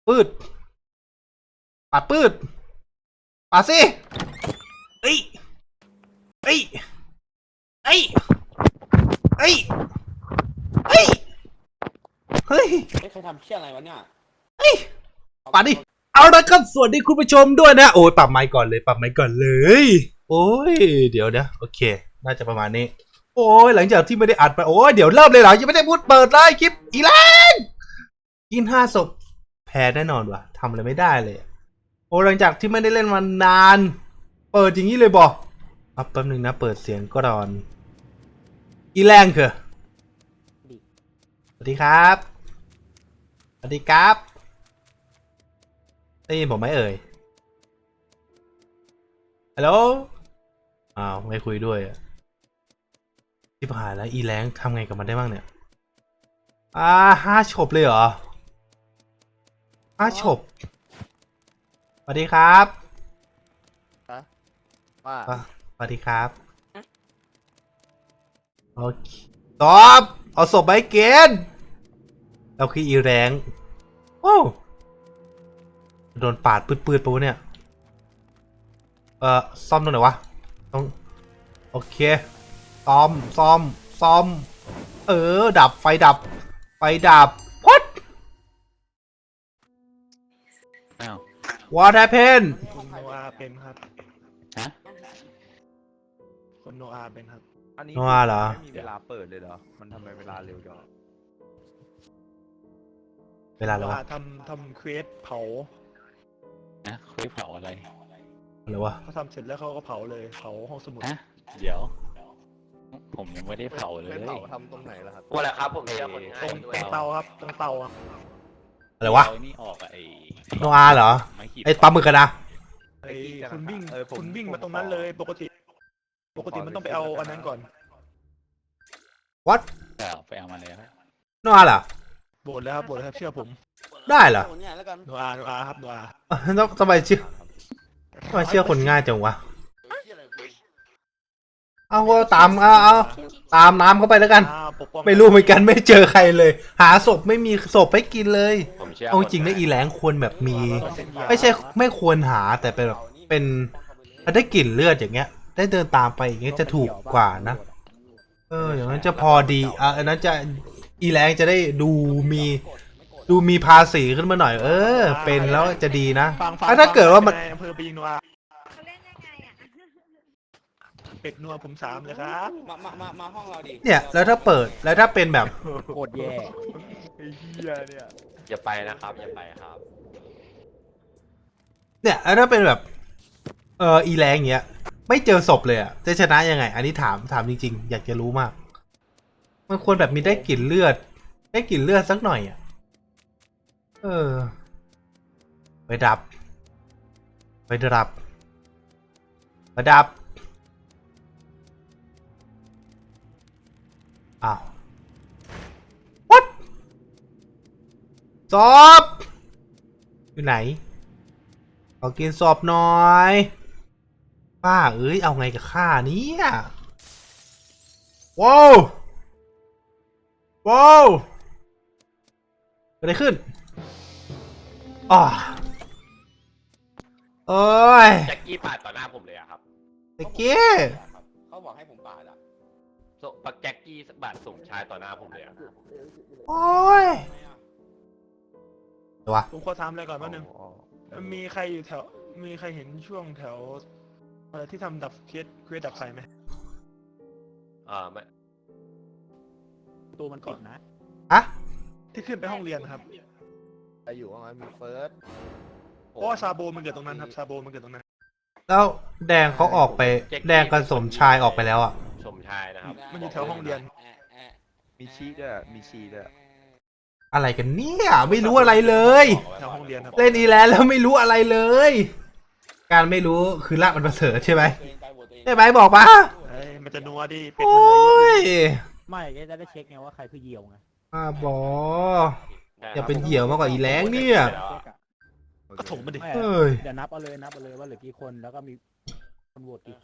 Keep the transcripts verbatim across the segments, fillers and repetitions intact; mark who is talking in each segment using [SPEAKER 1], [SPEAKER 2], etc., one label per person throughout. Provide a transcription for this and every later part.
[SPEAKER 1] ปืดปาดปืดปาดสิเอ้ยเอ้ยเอ้ยเอ้ยเอ้ยเฮ้ย
[SPEAKER 2] เฮ้ยใครทำเชี่ยอะไรวะเนี่ย
[SPEAKER 1] เฮ้ยปาดดิเอาละครับสวัสดีคุณผู้ชมด้วยนะโอ้ยปรับไมค์ก่อนเลยปรับไมค์ก่อนเลยโอ้ยเดี๋ยวนะโอเคน่าจะประมาณนี้โอ้ยหลังจากที่ไม่ได้อัดไปโอ้ยเดี๋ยวเริ่มเลยเหรอยังไม่ได้พูดเปิดเลยคลิปอีแลนกินห้าศพแพ้แน่นอนว่ะทำอะไรไม่ได้เลยโอ้หลังจากที่ไม่ได้เล่นมานานเปิดอย่างนี้เลยบอกอัพแป๊บนึงนะเปิดเสียงก่อนอีแรงคือสวัสดีครับสวัสดีครับได้ยินผมไหมเอ่ยฮัลโหลอ้าวไม่คุยด้วยอ่ะที่ผ่านแล้วอีแรงทำไงกับมันได้บ้างเนี่ยอ่าห้าฉบเลยเหรอห้าฉบสวัสดีครับ
[SPEAKER 2] ว่า
[SPEAKER 1] สวัสดีครับโอเคตอบ เอาศพไปเกณฑ์เราคืออีแรงโอ้โดนปาดปืดๆปะวะเนี่ยเออซ่อมตรงไหนวะต้องโอเคซ่อมซ่อมซ่อมเออดับไฟดับไฟดับ what
[SPEAKER 3] อ้าว
[SPEAKER 1] what happened
[SPEAKER 4] คุณโนอาเป็นครับ
[SPEAKER 3] ฮะ
[SPEAKER 4] คุณโนอาเป็นครับ
[SPEAKER 5] อันนี้
[SPEAKER 1] โนอาเหรอ
[SPEAKER 5] ไม่มีเวลาเปิดเลยเหรอ มันทำไมเวลาเร็วจัง
[SPEAKER 1] เวลา
[SPEAKER 4] โน
[SPEAKER 1] แล้ว
[SPEAKER 4] อาทำทำเควสเผา
[SPEAKER 3] นะคุยเผาอะไร
[SPEAKER 1] อะไรวะ
[SPEAKER 4] เขาทำเสร็จแล้วเขาก็เผาเลยเผาห้องสมุด
[SPEAKER 3] ฮะเดี๋ยว ผมยังไม่ได้เผาเลย
[SPEAKER 5] ไม่เผาทำตรงไหนล่ะครับ
[SPEAKER 2] ว่าแหละครับผมเชื่อคน
[SPEAKER 4] ต
[SPEAKER 2] ง่าย
[SPEAKER 4] รง
[SPEAKER 2] ด้ว
[SPEAKER 4] ต
[SPEAKER 2] ย
[SPEAKER 4] รงเตาครับตรงเตาอะ
[SPEAKER 1] อะไรวะ
[SPEAKER 3] เอานี่ออกอะไอ้
[SPEAKER 1] โนอาเหรอ
[SPEAKER 3] ไม้ขีด
[SPEAKER 1] ไอ้ปลาหมึกกันนะ
[SPEAKER 4] ไอ้คุณวิ่ง
[SPEAKER 5] เออผม
[SPEAKER 4] คุณวิ่งมาตรงนั้นเลยปกติ ปกติมันต้องไปเอาอันนั้นก่อน
[SPEAKER 1] what
[SPEAKER 3] แต่เอาไปเอามาแล้ว
[SPEAKER 1] โนอาเหรอ
[SPEAKER 4] โบดแล้วครับโบดแล้วครับเชื่อผม
[SPEAKER 1] ได้เหรอ
[SPEAKER 2] เนี่ยแล้วกัน
[SPEAKER 4] โนอาโนอาครับโนอา
[SPEAKER 1] ต้องทำไมเชื่อทำไมเชื่อคนง่ายจังวะเอาก็ตามเอาเอาตามน้ำเข้าไปแล้วกัน
[SPEAKER 4] อ่าปกป้อง
[SPEAKER 1] ไม่รู้เหมือนกันไม่เจอใครเลย หาศพไม่มีศพให้กินเลย
[SPEAKER 2] ผมเชื่อ
[SPEAKER 1] เอาจริงนะอีแหลงควรแบบมี ไม่ใช่ไม่ควรหาแต่เป็นแบบเป็นถ้าได้กลิ่นเลือดอย่างเงี้ย ได้เดินตามไปอย่างเงี้ยจะถูกกว่านะเอออย่างนั้นจะพอดีอ่ะอันนั้นจะอีแหลงจะได้ดูมีดูมีภาษีขึ้นมาหน่อย เออ เป็นแล้วจะดีนะ
[SPEAKER 4] ฟังฟัง
[SPEAKER 1] ถ้าเกิดว่ามัน
[SPEAKER 4] ในอำเภอไปยิงโนอา
[SPEAKER 6] เขาเล่นยังไงอ่ะ
[SPEAKER 4] เป็ดนัวผมสามเลยครับ
[SPEAKER 2] มามามามาห้องเราดิ
[SPEAKER 1] เนี่ยแล้วถ้าเปิดแล้วถ้าเป็นแบบ
[SPEAKER 3] โคตรแย่
[SPEAKER 5] ไอ้เหี้ยเนี่ย
[SPEAKER 2] อย่าไปนะครับอย่าไปครับ
[SPEAKER 1] เนี่ยแล้วถ้าเป็นแบบเอออีแรงเงี้ยไม่เจอศพเลยอ่ะจะชนะยังไง อันนี้ถามถามจริงๆอยากจะรู้มากมันควรแบบมีได้กลิ่นเลือด ได้กลิ่นเลือดสักหน่อยอ่ะเออไปดับไปดับไปดับอ้าว what ศพอยู่ไหนขอกินศพหน่อยป้าเอ้ยเอาไงกับข้าเนี่ยว้าวว้าวเกิดอะไรขึ้นอ๋อโอ้ย
[SPEAKER 2] แจ็คกี้ปาดต่อหน้าผมเลยอะครับ
[SPEAKER 1] ตะเกีย
[SPEAKER 2] เขาบอกให้ผมปาดอะโซปักแจ็คกี้บาดส่งชายต่อหน้าผมเลยอะ
[SPEAKER 1] โอ้ยเดี๋ยววะ
[SPEAKER 4] ผมขอถามอะไรก่อนว่านึง
[SPEAKER 5] อ๋อ
[SPEAKER 4] มีใครอยู่แถว มีใครเห็นช่วงแถวอะไรที่ทำดับเคสเคสดับไฟไหม
[SPEAKER 2] อ่าไม่
[SPEAKER 4] ตัวมันก่อนนะ
[SPEAKER 1] อะ
[SPEAKER 4] ที่ขึ้นไปห้องเรียนครับ
[SPEAKER 5] ใครอยู่ว่างั้นมีเฟิร์ส
[SPEAKER 4] เพราะว่าซาโบมันเกิดตรงนั้นครับ ซาโบมันเกิดตรงนั้น
[SPEAKER 1] แล้วแดงเขาออกไป แดงกับสมชายออกไปแล้วอ่ะ
[SPEAKER 2] สมชายนะครับ
[SPEAKER 4] มันอยู่แถวห้องเรียน
[SPEAKER 5] มีชีด้วย มีชีด้วย
[SPEAKER 1] อะไรกันเนี่ยไม่รู้อะไรเลย
[SPEAKER 4] แถวห้องเรียนครับ
[SPEAKER 1] เล่นอีแลนด์แล้วไม่รู้อะไรเลย การไม่รู้คือลากมันประเสริฐใช่ไหมใช่ไหมบอกมา
[SPEAKER 4] เอ้ยมันจะนัวดิเป็ด
[SPEAKER 1] โอ้
[SPEAKER 4] มันเลย
[SPEAKER 1] ย
[SPEAKER 7] ไม่จะได้เช็คไงว่าใครคือเหยี่ยวไง
[SPEAKER 1] อาบออย่าเป็นเหยี่ยวมากกว่าอีแรงเนี่ย
[SPEAKER 7] เช็คอะ
[SPEAKER 4] ก็ถมมันดิ
[SPEAKER 7] ไม่
[SPEAKER 1] เฮ้ย
[SPEAKER 7] เดี๋ยวนับเอาเลยนับเอาเลยว่าเหลือกี่คนแล้วก็มีคนโหวตกี่คน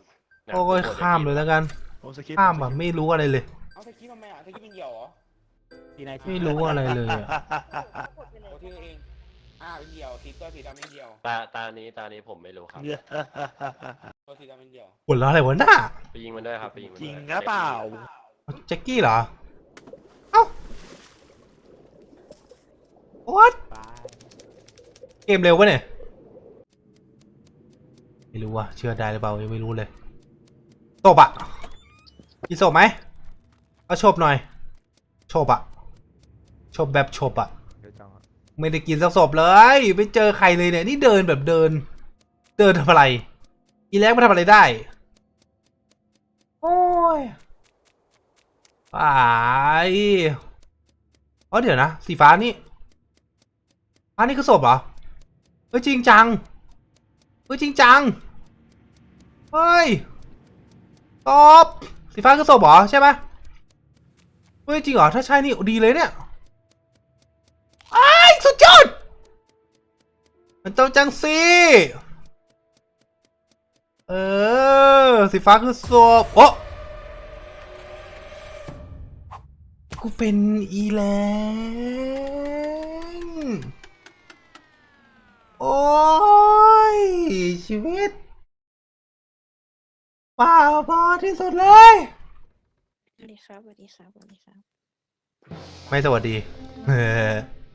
[SPEAKER 1] โอ้ยข้ามเลยแล้วกัน
[SPEAKER 4] ผมสคริปต์
[SPEAKER 1] ข้ามแบบไม่รู้อะไรเลย
[SPEAKER 2] เอาสกี้ทำไมอ่ะสกี้เป็นเหี่ยวเหรอ
[SPEAKER 7] ทีนาย
[SPEAKER 1] ไม่รู้อะไรเลยอะ
[SPEAKER 2] โอ้ที่เองอ่าเป็นเดียวสีตัวสีดำเป็นเดียว
[SPEAKER 3] ตาตานี้ตานี้ผมไม่รู้ครับ
[SPEAKER 2] ตัวสีดำเป็นเดียว
[SPEAKER 1] หัวเราะอะไรวะน่า
[SPEAKER 3] ไปยิงมันด้วยครับไปยิงมัน
[SPEAKER 4] จ
[SPEAKER 3] ด้
[SPEAKER 4] ริ
[SPEAKER 3] วย
[SPEAKER 4] งหรือเปล่า
[SPEAKER 1] แจ็คกี้เหรอ เอ้า what
[SPEAKER 7] ตาย
[SPEAKER 1] เกมเร็ววะเนี่ย ไม่รู้ว่ะเชื่อได้หรือเปล่ายังไม่รู้เลยศพอะมีศพไหมเอาศพหน่อยศพอะศพแบบศพอะ
[SPEAKER 5] เดี๋ยวจังอะ
[SPEAKER 1] ไม่ได้กินสักศพเลยไม่เจอใครเลยเนี่ยนี่เดินแบบเดิน เดินทำอะไร อีแล็กมาทำอะไรได้ โอ้ยไปอ๋อเดี๋ยวนะสีฟ้านี่ฟ้านี่คือศพเหรอเฮ้ยจริงจังเฮ้ยจริงจังเฮ้ยศพสีฟ้าคือศพเหรอใช่ไหมเฮ้ยจริงเหรอถ้าใช่นี่ดีเลยเนี่ยไอ้ายสุดยอดมันต้องจังสิเออสีฟ้าคือศพโอ้กูเป็นอีแลงโอ้ยชีวิตป่าพอที่สุดเลย
[SPEAKER 6] สวัสดีครับสวัสดีครับสวัสดีครับ
[SPEAKER 1] ไม่สวัสดีเออ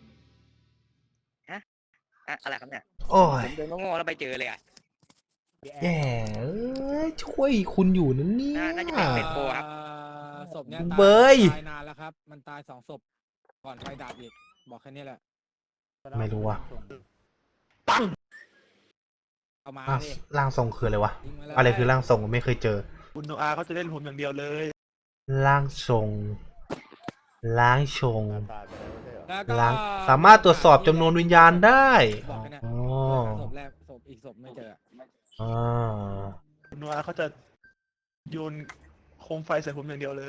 [SPEAKER 8] อะอะไรครับเนี่ย
[SPEAKER 1] โอ้ย
[SPEAKER 8] ผมเดินโง่ๆแล้วไปเจอเลยอ่ะ
[SPEAKER 1] แย่เอ้ยช่วยคุณอยู่นั่นเนี่ย
[SPEAKER 8] น่าน่าจะเป็นเป็ดโปครับ
[SPEAKER 7] ศพเนี้ย
[SPEAKER 1] เบย
[SPEAKER 7] ตายนานแล้วครับ มันตายสองศพก่อนไฟดับอีกบอกแค่นี้แหละ
[SPEAKER 1] ไม่รู้ว่ะ
[SPEAKER 7] เอามา
[SPEAKER 1] ร่าง
[SPEAKER 7] ดิ
[SPEAKER 1] ร่างทรงคืออะไรวะ
[SPEAKER 7] ยิงมาเลย
[SPEAKER 1] อะไรคือร่างทรงไม่เคยเจอ
[SPEAKER 4] คุณโนอาเขาจะเล่นผมอย่างเดียวเลย
[SPEAKER 1] ร่างทรงร่างทรง
[SPEAKER 5] ตายไปแล้วไม่ใช่เหรอ
[SPEAKER 7] แล้วก็
[SPEAKER 1] ร่างสามารถตรวจสอบจำนวนวิญญาณได้
[SPEAKER 7] บอกแค่เนี้ย
[SPEAKER 1] อ๋อ
[SPEAKER 7] ศพแรกศพอีกศพไม่เจอ
[SPEAKER 1] อ่า
[SPEAKER 4] คุณโนอาเขาจะโยนโคมไฟใส่ผมอย่างเดียวเลย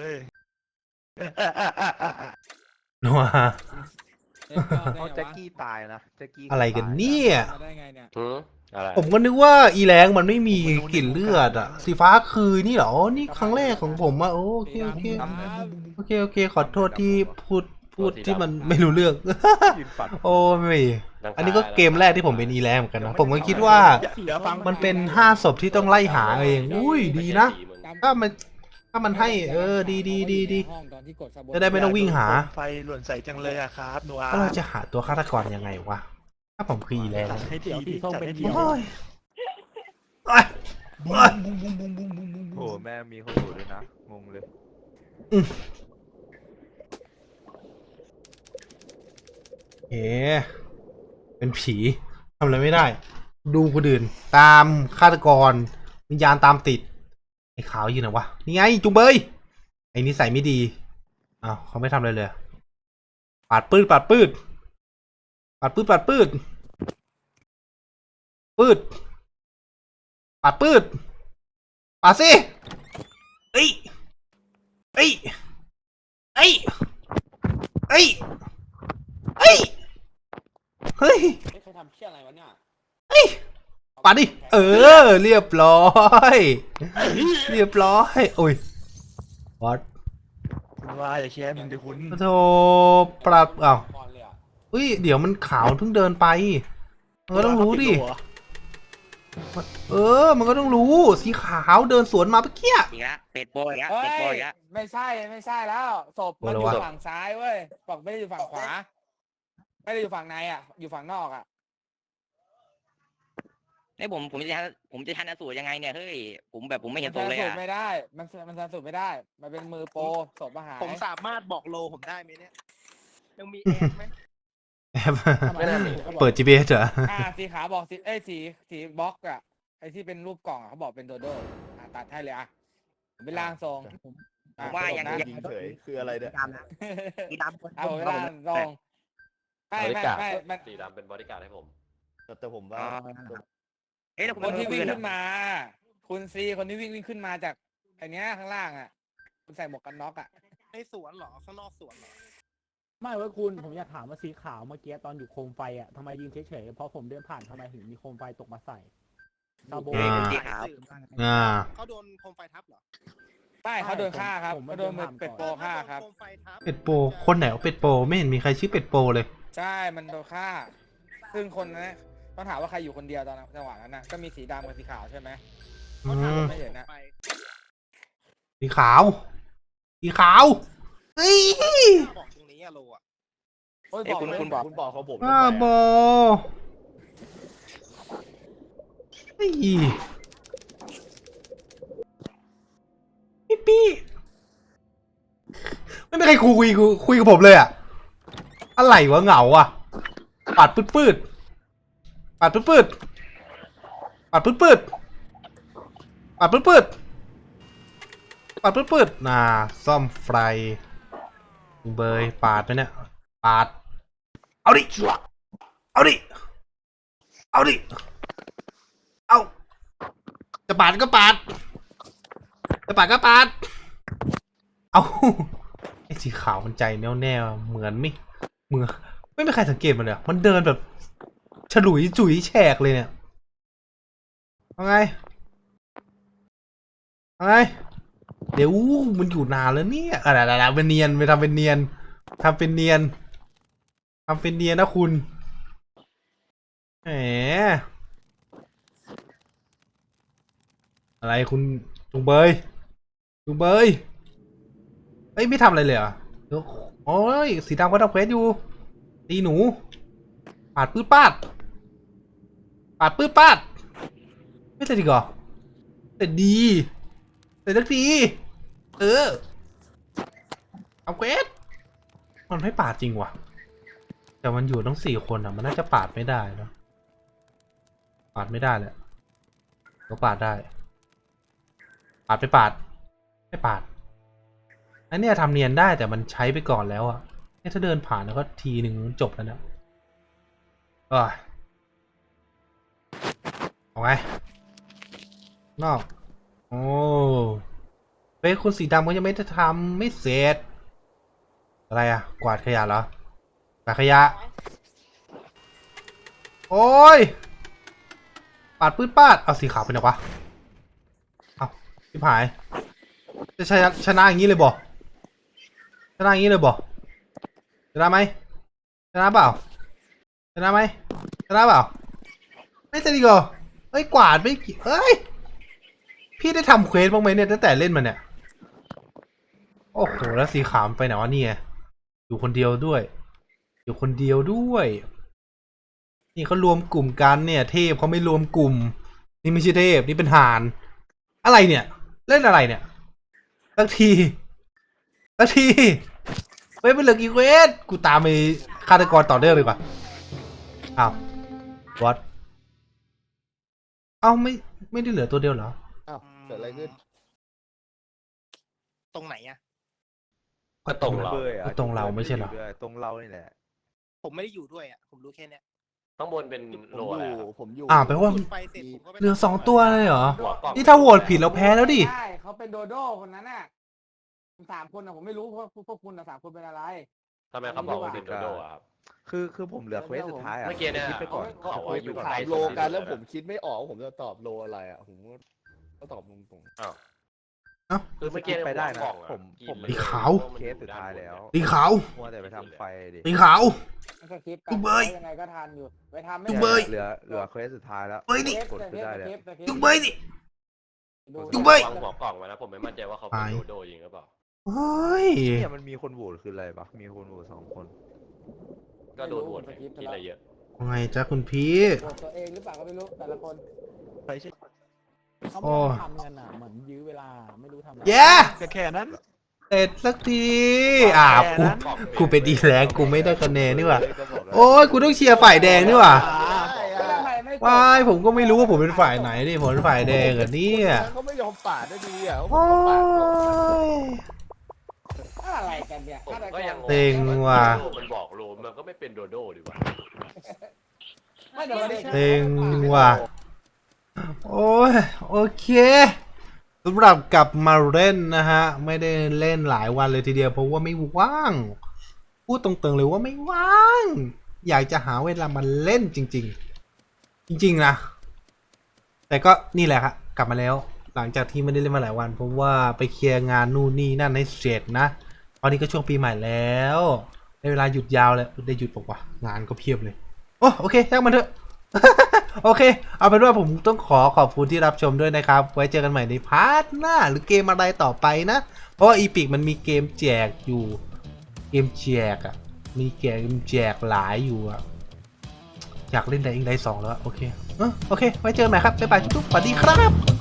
[SPEAKER 1] นัว
[SPEAKER 7] เอ๊ะก็ได้
[SPEAKER 5] เอา
[SPEAKER 7] ไง
[SPEAKER 5] แจ็คว
[SPEAKER 7] ะ
[SPEAKER 5] กี้ตายนะแจ็คกี้
[SPEAKER 1] อะไรกัน
[SPEAKER 5] ตาย
[SPEAKER 1] เนี่ย
[SPEAKER 7] มาได้ไงเนี่ย
[SPEAKER 3] หืออะไร
[SPEAKER 1] ผมก็นึกว่าอีแรงมันไม่มีกลิ่นเลือดอะสีฟ้าคือนี่เหรออ๋อนี่ครั้งแรกของผมอะโอเคโอเค
[SPEAKER 7] ครับ
[SPEAKER 1] โอเคโอเคขอโทษที่พูดพูดที่มันไม่รู้เรื่อง
[SPEAKER 5] ยืนปัด
[SPEAKER 1] โอ้ไม่
[SPEAKER 3] ดัง
[SPEAKER 1] อันนี้ก็เกมแรกที่ผมเป็นอีแรงเหมือนกันนะผมก็คิดว่า
[SPEAKER 4] เดี๋ยวฟัง
[SPEAKER 1] มันเป็นห้าศพที่ต้องไล่หาเองอุ้ยดีนะ ถ้ามันถ้ามันให้เออดีดีดีดี
[SPEAKER 7] ห้องตอนที่กด Sabotage
[SPEAKER 1] จะได้ไม่ต้องวิ่งหา
[SPEAKER 4] โคมไฟหล่นใส่จังเลยอะครับโนอา
[SPEAKER 1] แล้วเราจะหาตัวฆาตกรยังไงวะถ้าผมคืออีแรง
[SPEAKER 4] จัดให้ทีดิจัดให้ที
[SPEAKER 1] โอ้ยโอ้ย
[SPEAKER 4] บุ้งบุ้งบุ้งบุ้งบุ้งบุ้งบุ้ง
[SPEAKER 5] โอ้โหแม่มีคนอยู่ด้วยนะ งงเลย
[SPEAKER 1] เอ๋เป็นผีทำอะไรไม่ได้ ดูคนอื่น ตามฆาตกรวิญญาณตามติดไอ้ขาวอยู่ไหนวะนี่ไงจุงเบยไอ้นิสัยไม่ดีอ้าวเขาไม่ทำอะไรเลยปาดปืดปาดปืดปาดปืดปาดปืดปืดปาดปืดปาดสิเอ้ยเอ้ยเอ้ยเอ้ยเอ้ยเฮ้ย
[SPEAKER 2] เฮ้ยใครทำเชี่ยอะไรวะเนี่ย
[SPEAKER 1] เฮ้ยปาดดิเออเรียบร้อยเรียบร้อยโอ้ยวัด
[SPEAKER 4] คุณว่าอย่าแค้นมันเดี๋ยวคุณ
[SPEAKER 1] โธ่ปรับอ้าว
[SPEAKER 2] ก่อนเลยอ่ะ
[SPEAKER 1] เฮ้ยเดี๋ยวมันขาวเพิ่งเดินไปมันก็ต้องรู้ดิเออมันก็ต้องรู้สีขาวเดินสวนมาเมื่อกี้
[SPEAKER 8] อีกแล้วเป็ดโปอีกแล้ว
[SPEAKER 7] เฮ้
[SPEAKER 8] เป็ดโป
[SPEAKER 7] ย
[SPEAKER 8] อีกแล้ว
[SPEAKER 7] ไม่ใช่ไม่ใช่แล้วศพมัน
[SPEAKER 1] โอ้
[SPEAKER 7] อ
[SPEAKER 1] โห
[SPEAKER 7] ยู่ฝั่งซ้ายเว้ยฝั่งไม่ได้อยู่ฝั่งขวา ไม่ได้อยู่ฝั่งในอ่ะ อยู่ฝั่งนอกอ่ะ
[SPEAKER 8] ไอ้ผมผมจะผมจะทันสูตรยังไงเนี่ยเฮ้ยผมแบบผมไม่เห็น
[SPEAKER 7] มั
[SPEAKER 8] ตัวน เลย
[SPEAKER 7] สูต
[SPEAKER 8] อ่ะ
[SPEAKER 7] รไม่ได้ มันมันสูตรไม่ได้ มันเป็นมือโปรศพมาหาย
[SPEAKER 9] ผมสามารถบอกโลผมได้ไหมเนี่ย ยังมีแอนไหม
[SPEAKER 1] แอบ
[SPEAKER 7] ไม่ได้มีเขาบอก
[SPEAKER 1] เปิด จี พี เอส เหรอ
[SPEAKER 7] อ่าสีขาวบอกสีเอ้ยสีสีบล็อกอ่ะไอ้ที่เป็นรูปกล่องอะเขาบอกเป็นโดโดอ่ะตัดให้เลยอ่ะผมเป็นร่างทรง
[SPEAKER 8] ผมว่ายัง
[SPEAKER 7] นะ
[SPEAKER 8] ยัง
[SPEAKER 5] ยิงเฉยคืออะไรเนี่ย
[SPEAKER 8] ดำนะสีดำคน
[SPEAKER 7] เอาเป็นร่างทรงไม่
[SPEAKER 3] บริ
[SPEAKER 7] ไม่
[SPEAKER 3] การ
[SPEAKER 7] ไม่มัน
[SPEAKER 3] สีดำเป็นบริการให้ผม
[SPEAKER 5] แต่แต่ผมว่า
[SPEAKER 8] อ๋อเอ๊ะแล้วผม
[SPEAKER 7] คนที่
[SPEAKER 8] คุย
[SPEAKER 7] วิ่ง
[SPEAKER 8] กัน
[SPEAKER 7] ขึ้นมา คุณซีคนที่วิ่งวิ่งขึ้นมาจากไอ้เนี้ยข้างล่างอ่ะ คุณใส่หมวกกันน็อกอ่ะ
[SPEAKER 9] ในสวนเหรอ ข้างนอกสวนเหรอ
[SPEAKER 7] ไม่เว้ยคุณผมอยากถามว่าสีขาวเมื่อกี้ตอนอยู่โคมไฟอ่ะทำไมยืนเฉยๆเพราะผมเดินผ่านทำไมถึงมีโคมไฟตกมาใส่ซาโบ
[SPEAKER 1] อ่า
[SPEAKER 8] สีขาว
[SPEAKER 1] อ่า
[SPEAKER 9] เขาโดนโคมไฟทับเหรอ
[SPEAKER 7] ไม่เขาโดนฆ่าครับเขาโดนเป็ดโปฆ่าครับ
[SPEAKER 1] เป็ดโปคนไหนว่าเป็ดโปไม่เห็นมีใครชื่อเป็ดโปเลย
[SPEAKER 7] ใช่มันโดนฆ่า ซึ่งคนนั้นต้องถามว่าใครอยู่คนเดียวตอนจังหวะนั้นน่ะก็มีสีดำกับสีขาวใช่ไหม
[SPEAKER 1] อืม
[SPEAKER 7] ไม่เห็นนะ
[SPEAKER 1] สีขาวสีขาวเฮ้ย
[SPEAKER 9] บอกตรงนี้อะโลอะ
[SPEAKER 7] โอ้ย
[SPEAKER 8] เอ้ย
[SPEAKER 7] บอก
[SPEAKER 8] คุณ
[SPEAKER 7] เลย
[SPEAKER 8] คุณบอก
[SPEAKER 5] คุณบอกเขาผม
[SPEAKER 1] บ้าบอเฮ้ยพี่ปี้ไม่มีใครคุยคุยคุยกับผมเลยอะอะไรวะเหงาอะปาดปืดปืดปาดปืดปืดปาดปืดปืดปาดปืดปืดปาดปืดปืดน่าซ่อมไฟเบยปาดไปเนี่ยปาดเอาดิเอาดิเอาดิเอาจะปาดก็ปาดจะปาดก็ปาดเอาไอ้สีขาวมันใจแน่วแน่เหมือนไม่เหมือนไม่มีใครสังเกตมันเลยมันเดินแบบฉลุยจุ๋ยแฉกเลยเนี่ยเอาไงเอาไงเดี๋ยวมันอยู่นานแล้วเนี่ยอะไรอะไรเป็นเนียนไปทำเป็นเนียนทำเป็นเนียนทำเป็นเนียนนะคุณแหมอะไรคุณจุงเบยจุงเบยเอ้ยไม่ทำอะไรเลยเหรอเดี๋ยวโอ้ยสีดำก็ทำเควสอยู่ตีหนูปาดปื้ดปาดปาดปื้ดปาดไม่เสร็จดีกว่าเสร็จดีเสร็จสักทีเออเอาเควสมันไม่ปาดจริงว่ะแต่มันอยู่ต้องสี่คนอ่ะมันน่าจะปาดไม่ได้เนอะปาดไม่ได้แหละก็ปาดได้ปาดไปปาดไม่ปาดอันเนี้ยทำเนียนได้แต่มันใช้ไปก่อนแล้วอ่ะเนี่ยถ้าเดินผ่านแล้วก็ทีหนึ่งจบแล้วนะเออเอาไงนอกโอ้เฮ้ยคุณสีดำก็ยังไม่ได้ทำไม่เสร็จอะไรอ่ะกวาดขยะเหรอกวาดขยะโอ้ยปาดปื้ดปาดเอาสีขาวไปไหนวะเอาชิบหายจะชนะชนะอย่างนี้เลยบ่ชนะอย่างนี้เลยบ่ชนะไหมชนะเปล่าชนะไหมชนะเปล่าไม่จะดีกว่าเฮ้ยกวาดไม่กี่เฮ้ยพี่ได้ทำเควสบ้างไหมเนี่ยตั้งแต่เล่นมาเนี่ยโอ้โหแล้วสีขาวไปไหนวะเนี่ยอยู่คนเดียวด้วยอยู่คนเดียวด้วยนี่เขารวมกลุ่มกันเนี่ยเทพเขาไม่รวมกลุ่มนี่ไม่ใช่เทพนี่เป็นห่านอะไรเนี่ยเล่นอะไรเนี่ยสักทีสักทีเฮ้ยเป็นเหลือกี่เควสกูตามไปฆาตกรต่อเนื่องเลยดีกว่าอ้าววัดเอ้าไม่ไม่ได้เหลือตัวเดียวเหรอ
[SPEAKER 5] อ้าวเกิดอะไรขึ้น
[SPEAKER 9] ตรงไหนอะ
[SPEAKER 2] ก็ตรงเรา
[SPEAKER 5] เบยอะ
[SPEAKER 1] ก็ตรงเราไม่ใช่เหรอ
[SPEAKER 5] ด้วยตรงเรานี่แหละ
[SPEAKER 9] ผมไม่ได้อยู่ด้วยอะผมรู้แค่เนี้ย
[SPEAKER 2] ข้างบนเป็น
[SPEAKER 5] ผม
[SPEAKER 2] โล
[SPEAKER 5] อ
[SPEAKER 2] อะไร
[SPEAKER 5] ยู่
[SPEAKER 2] ครับ
[SPEAKER 5] ผมอยู่
[SPEAKER 1] อ่าแปลว่า
[SPEAKER 9] จุดไฟเสร็จผมก็ไป
[SPEAKER 1] เหลือสองตัวเลยเหรอ
[SPEAKER 2] หัวกล่อง
[SPEAKER 1] นี่ถ้าโหวตผิดเราแพ้แล้วดิ
[SPEAKER 7] ใช่เขาเป็นโดโด้คนนั้นน่ะสามคนนะผมไม่รู้เพราะพวกคุณนะสามคนเป็นอะไร
[SPEAKER 2] ทำไมเขาบอกว่าเป็นโดโดอะครับ
[SPEAKER 5] คือคือผมเหลือเควสสุดท้ายอะ
[SPEAKER 2] เมื่อกี้เนี่ย
[SPEAKER 5] คิดไปก่อน
[SPEAKER 2] เขาบอกว่าอยู่
[SPEAKER 5] ถา
[SPEAKER 2] ใกล้
[SPEAKER 5] ม
[SPEAKER 2] สุด
[SPEAKER 5] โลกันแล้ว
[SPEAKER 2] ที่สุด
[SPEAKER 5] ผมคิดไม่ออกว่าผมจะตอบโลอะไรอ่ะผมก็ตอบตรง
[SPEAKER 2] อ้าว
[SPEAKER 1] เอ้า
[SPEAKER 2] คือเมื่อกี้
[SPEAKER 5] ไปได้นะ
[SPEAKER 2] หัวกล่องอ
[SPEAKER 5] ผมผม
[SPEAKER 2] กิน
[SPEAKER 1] สี
[SPEAKER 2] เลย
[SPEAKER 1] ขาว
[SPEAKER 2] พระ
[SPEAKER 5] ๆเคสสุดท้ายแล้ว
[SPEAKER 1] สีขาว
[SPEAKER 5] มัวแต่ไปทำไฟดิ
[SPEAKER 1] สีขาว
[SPEAKER 7] มันก็คลิป
[SPEAKER 1] จุ๊บเบย
[SPEAKER 7] ยังไงก็ทันอยู่ไปทำไม่
[SPEAKER 1] จุ๊บ
[SPEAKER 7] ทัน
[SPEAKER 1] เบย
[SPEAKER 5] เหลือเหลือเควสสุดท้ายแล้ว
[SPEAKER 1] เฮ้ยนี่
[SPEAKER 5] กดไปได้แล้ว
[SPEAKER 1] จุ๊บเบยดิ
[SPEAKER 7] ดู
[SPEAKER 1] จุ๊บเบย
[SPEAKER 2] วางหัวกล่องไว้นะผมไม่มั่นใจว่าเขาเป็น
[SPEAKER 1] ไป
[SPEAKER 2] โดโดจริงหรือเปล่า
[SPEAKER 1] โอ้ย
[SPEAKER 5] เนี่ยมันมีคนโหวตคืออะไรปะมีคนโหวตสองคน
[SPEAKER 2] ก็โดนโหวตไปคิดอะไรเยอะ
[SPEAKER 1] ว่าไงจ๊ะคุณพี่
[SPEAKER 7] โหวตตัวเองหรือเปล่าก็ไม่รู้แต่ละคน
[SPEAKER 4] ใครใช่
[SPEAKER 7] เขา
[SPEAKER 1] โอ้
[SPEAKER 7] ไม่ได้ทำกันอ่ะเหมือนยื้อเวลาไม่รู้ทำอะไร
[SPEAKER 1] แย่
[SPEAKER 4] แค่แค่นั้น
[SPEAKER 1] เสร็จสักทีอ่ากูกูเป็นดีแล้วกูไม่ได้คะแนนนี่หว่าโอ้ยกูต้องเชียร์ฝ่ายแดงนี่หว่า
[SPEAKER 7] ก็ทำไมไม่กด
[SPEAKER 1] ว้ายผมก็ไม่รู้ว่าผมเป็นฝ่ายไหนดิผมเป็นฝ่ายแดงเหรอเนี่ย
[SPEAKER 5] เขาไม่ยอมปาดได้ดีอ่ะเขา
[SPEAKER 1] โอ้
[SPEAKER 5] ปาดก่อน
[SPEAKER 1] ย
[SPEAKER 7] อะไรกันเนี่ย
[SPEAKER 2] ผมก็ยังงง
[SPEAKER 1] เต็งว่ะ
[SPEAKER 2] โดโดมันบอกโลมันก็ไม่เป็นโดโดดีกว่า
[SPEAKER 7] ไม่เดี๋ยวเด็ก
[SPEAKER 1] เต็งว่ะโอ้ยโอเคสำหรับกลับมาเล่นนะฮะไม่ได้เล่นหลายวันเลยทีเดียวเพราะว่าไม่ว่างพูดตรงๆเลยว่าไม่ว่าง อยากจะหาเวลามาเล่นจริง ๆ จริงๆนะแต่ก็นี่แหละครับกลับมาแล้วหลังจากที่ไม่ได้เล่นมาหลายวันเพราะว่าไปเคลียร์งานนู่นนี่นั่นให้เสร็จนะตอนนี้ก็ช่วงปีใหม่แล้วในเวลาหยุดยาวแล้วได้หยุดบอกว่างานก็เพียบเลยโอ้โอเคช่างมันเถอะ โอเคเอาเป็นว่าผมต้องขอขอบคุณที่รับชมด้วยนะครับไว้เจอกันใหม่ในพาร์ทหน้าหรือเกมอะไรต่อไปนะเพราะว่าอีพิกมันมีเกมแจกอยู่เกมแจกอะมีเกมแจกหลายอยู่อะอยากเล่นไดอิงไดสองแล้วอะโอเคเออโอเคไว้เจอกันใหม่ครับบ๊ายบายทุกๆสวัสดีครับ